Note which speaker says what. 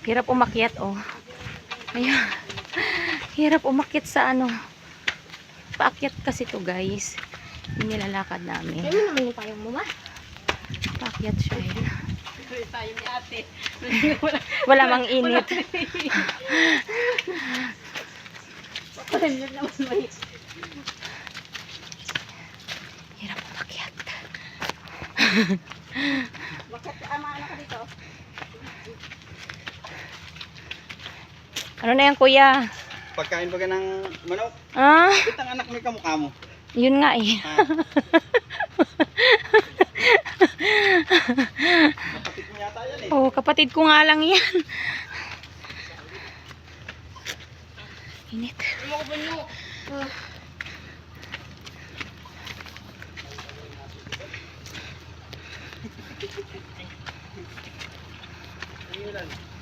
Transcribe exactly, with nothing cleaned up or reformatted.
Speaker 1: Hirap umakyat, oh. Ayun. Hirap umakyat sa ano. Paakyat kasi to, guys. Yung nilalakad namin.
Speaker 2: Ayun naman yung payong mo, ma.
Speaker 1: Paakyat siya. Eh.
Speaker 2: Tayo ni ate.
Speaker 1: Wala mang init.
Speaker 2: Pahinlog naman may.
Speaker 1: Hirap umakyat.
Speaker 2: Bakit ama ano ka dito?
Speaker 1: Ano na yan, kuya?
Speaker 3: Pagkain ba ka ng manok?
Speaker 1: Ah,
Speaker 3: Itang anak mo yung kamukha mo.
Speaker 1: yun nga eh.
Speaker 3: Ha? Kapatid mo yata yan eh.
Speaker 1: Oh, kapatid ko nga lang yan. Init.
Speaker 3: Ayun lang.